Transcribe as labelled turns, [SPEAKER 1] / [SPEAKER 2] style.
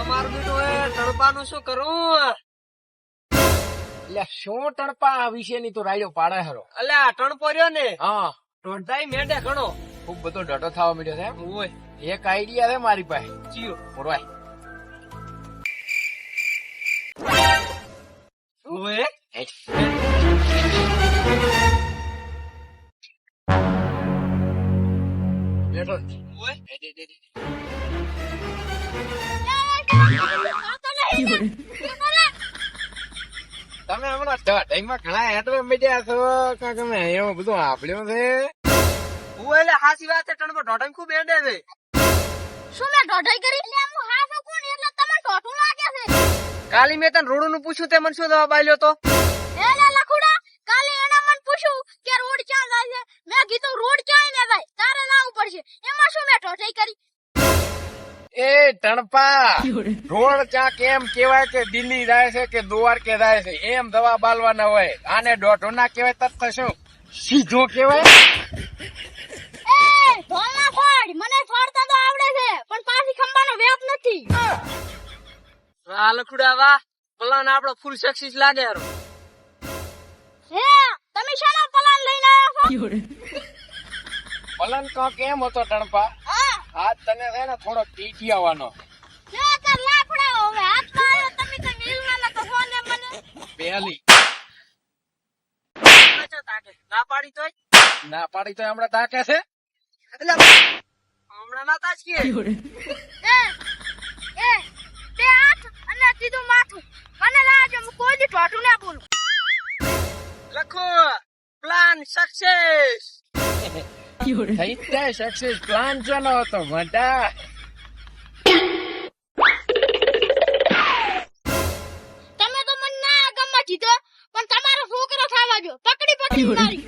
[SPEAKER 1] તમારું બેટું એ તડપાનું શું કરું?
[SPEAKER 2] એટલે શું તણપા વિશેની તો રાડ્યો પાડે હરો.
[SPEAKER 1] અલ્યા ટણપો રહ્યો ને
[SPEAKER 2] હા,
[SPEAKER 1] દોઢાઈ મેંઢે ઘણો
[SPEAKER 2] ખુબ બધો ડટો થવા મળ્યો છે એમ.
[SPEAKER 1] ઓય
[SPEAKER 2] એક આઈડિયા છે મારી પાસે.
[SPEAKER 1] ચિયો
[SPEAKER 2] મોરવાય
[SPEAKER 1] ઓય
[SPEAKER 2] બેઠો
[SPEAKER 1] ઓય
[SPEAKER 2] તમે હમણાં ટાઈમમાં ઘણા હેઠળ મીડિયા છો કાં તમે એવું બધું આપ્યું છે.
[SPEAKER 1] ઓય એટલે હાસી વાત છે ટણપો દોઢાઈ ખૂબ મેંઢે છે.
[SPEAKER 3] શું મેં ઢોઢાઈ કરી? એટલે હું હા શકું ને એટલે તમને ઢોઢું લાગે છે.
[SPEAKER 1] કાલી મેં તને રોડ નું પૂછ્યું તે મને શું જવાબ આલ્યો તો?
[SPEAKER 3] એટલે લખુડા કાલે એણે મને પૂછ્યું કે રોડ ક્યાં જાય છે. મેં કીધું રોડ ક્યાંય ને ભાઈ તારે લાવવું પડશે. એમાં શું મેં ઢોઢાઈ કરી?
[SPEAKER 2] એ ટણપા રોડ ચા કેમ કેવાય કે દિલ્હી જાય છે કે દ્વારકે જાય છે એમ દવા બાલવાના હોય. આને દોઢો ના કેવાય તત્વ શું સીધો કેવાય.
[SPEAKER 3] એ ઢોલના ફોડ મને ફોડતા તો આવડે છે પણ પાછી ખંભાનો વેપ નથી.
[SPEAKER 1] આ લખુડા વાહ પ્લાન આપણો ફૂલ સક્સેસ લાગે હારો.
[SPEAKER 3] હે તમે શાનો પ્લાન લઈને આવ્યા છો?
[SPEAKER 2] પલન કો કેમ હતો ટણપા?
[SPEAKER 3] હા
[SPEAKER 2] આજ તને છે ને થોડો ટીટિયાવાનો
[SPEAKER 3] લે તાર લાફડા હવે હાથમાં આવ્યો તમે તો મિલવાના તો ફોન એમ મને.
[SPEAKER 2] પહેલી
[SPEAKER 1] ના પાડી તોય
[SPEAKER 2] ના પાડી તો હમણાં તાકે છે.
[SPEAKER 1] એટલે હમણાં ના તાજ કે
[SPEAKER 3] એ તે હાથ અને સીધું માથું મને લાગે હું કોઈ દી ઢોઢું ના બોલું.
[SPEAKER 1] લખો પ્લાન સક્સેસ.
[SPEAKER 2] થઈ જાય સક્સેસ. પ્લાન ચાલો હતો મોટા.
[SPEAKER 3] તમે તો મને ના ગમવા દીધો પણ તમારો છોકરો થવા જો પકડી મારી.